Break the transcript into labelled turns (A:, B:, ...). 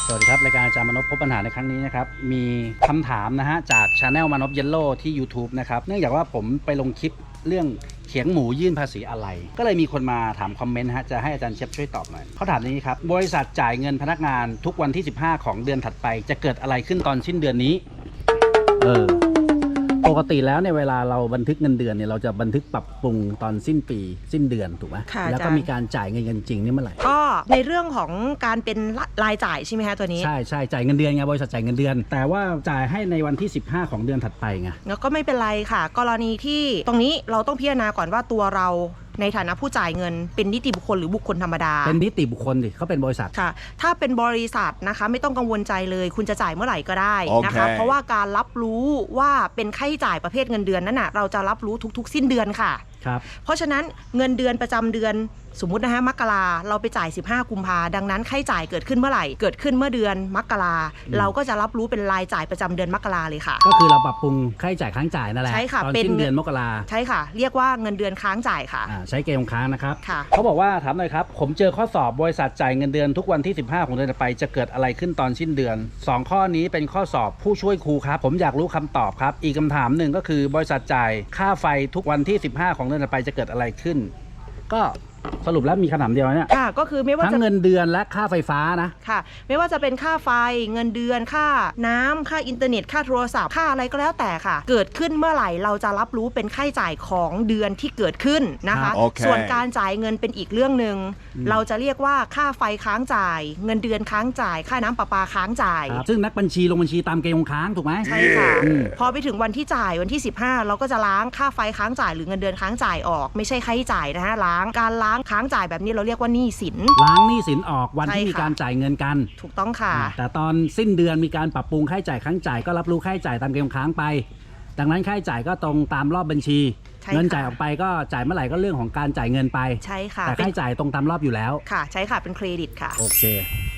A: สวัสดีครับรายการอาจารย์มนพพบปัญหาในครั้งนี้นะครับมีคำถามนะฮะจาก Channel มนพเยลโล่ที่ YouTube นะครับเนื่องจากว่าผมไปลงคลิปเรื่องเขียงหมูยื่นภาษีอะไรก็เลยมีคนมาถามคอมเมนต์ฮะจะให้อาจารย์เชฟช่วยตอบหน่อยเขาถามอย่างนี้ครับบริษัทจ่ายเงินพนักงานทุกวันที่15ของเดือนถัดไปจะเกิดอะไรขึ้นตอนสิ้นเดือนนี้ปกติแล้วในเวลาเราบันทึกเงินเดือนเนี่ยเราจะบันทึกปรับปรุงตอนสิ้นปีสิ้นเดือนถูกไหมแล้วก็มีการจ่ายเงินจริงนี่เมื่อไหร่
B: ก็ในเรื่องของการเป็นรายจ่ายใช่ไหมคะตัวนี้
A: ใช่จ่ายเงินเดือนไงบริษัทจ่ายเงินเดือนแต่ว่าจ่ายให้ในวันที่15ของเดือนถัดไปไง
B: แล้วก็ไม่เป็นไรค่ะกรณีที่ตรงนี้เราต้องพิจารณาก่อนว่าตัวเราในฐานะผู้จ่ายเงินเป็นนิติบุคคลหรือบุคคลธรรมดา
A: เป็นนิติบุคคลดิเขาเป็นบริษัท
B: ค่ะถ้าเป็นบริษัทนะคะไม่ต้องกังวลใจเลยคุณจะจ่ายเมื่อไหร่ก็ได้นะคะเพราะว่าการรับรู้ว่าเป็นค่าใช้จ่ายประเภทเงินเดือนนั้นน่ะเราจะรับรู้ทุกๆสิ้นเดือนค่ะเพราะฉะนั้นเงินเดือนประจำเดือนสมมุตินะฮะมกราเราไปจ่าย15กุมภาดังนั้นค่าใช้จ่ายเกิดขึ้นเมื่อไหร่เกิดขึ้นเมื่อเดือนมกราเราก็จะรับรู้เป็นรายจ่ายประจำเดือนมกราเลยค่ะ
A: ก็คือเราปรับปรุงค่าใช้จ่ายค้างจ่ายนั่นแหละ
B: ใช่ค่ะ
A: ตอนสิ้นเดือนมกรา
B: ใช่ค่ะเรียกว่าเงินเดือนค้างจ่ายค่ะ
A: ใช้เกณฑ์ค้างนะครับเขาบอกว่าถามหน่อยครับผมเจอข้อสอบบริษัทจ่ายเงินเดือนทุกวันที่15ของเดือนต่อไปจะเกิดอะไรขึ้นตอนสิ้นเดือน2ข้อนี้เป็นข้อสอบผู้ช่วยครูครับผมอยากรู้คำตอบครับอีกคำถามหนึ่งก็คือบริษัทจ่ายค่าไฟทุกวันที่15ของเดือนต่อไปจะเกิดอะไรขึ้นก็สรุปแล้วมีคำถามเดียวเนี่ย
B: ค่ะก็คือไม่ว่า
A: ทั้งเงินเดือนและค่าไฟฟ้านะ
B: ค่ะไม่ว่าจะเป็นค่าไฟเงินเดือนค่าน้ำค่าอินเทอร์เน็ตค่าโทรศัพท์ค่าอะไรก็แล้วแต่ค่ะเกิดขึ้นเมื่อไหร่เราจะรับรู้เป็นค่าใช้จ่ายของเดือนที่เกิดขึ้นนะคะส่วนการจ่ายเงินเป็นอีกเรื่องหนึ่งเราจะเรียกว่าค่าไฟค้างจ่ายเงินเดือนค้างจ่ายค่าน้ำประปาค้างจ่าย
A: ซึ่งนักบัญชีลงบัญชีตามเกณฑ์ค้างถูกไหม
B: ใช่ค่ะพอไปถึงวันที่จ่ายวันที่15เราก็จะล้างค่าไฟค้างจ่ายหรือเงินเดือนค้างจ่ายออกไม่ใช่ค่าใช้จ่ายนะฮะล้างค้างจ่ายแบบนี้เราเรียกว่าหนี้สิน
A: ล้างหนี้สินออกวันที่มีการจ่ายเงินกัน
B: ถูกต้องค่ะ
A: แต่ตอนสิ้นเดือนมีการปรับปรุงค่าใช้จ่ายค้างจ่ายก็รับรู้ค่าใช้จ่ายตามเกณฑ์ค้างไปดังนั้นค่าใช้จ่ายก็ตรงตามรอบบัญชีเงินจ่ายออกไปก็จ่ายเมื่อไหร่ก็เรื่องของการจ่ายเงินไป
B: ใช่ค่ะ
A: แต่ค่าใช้จ่ายตรงตามรอบอยู่แล้ว
B: ค่ะใช่ค่ะเป็นเครดิตค่ะ
A: โอเค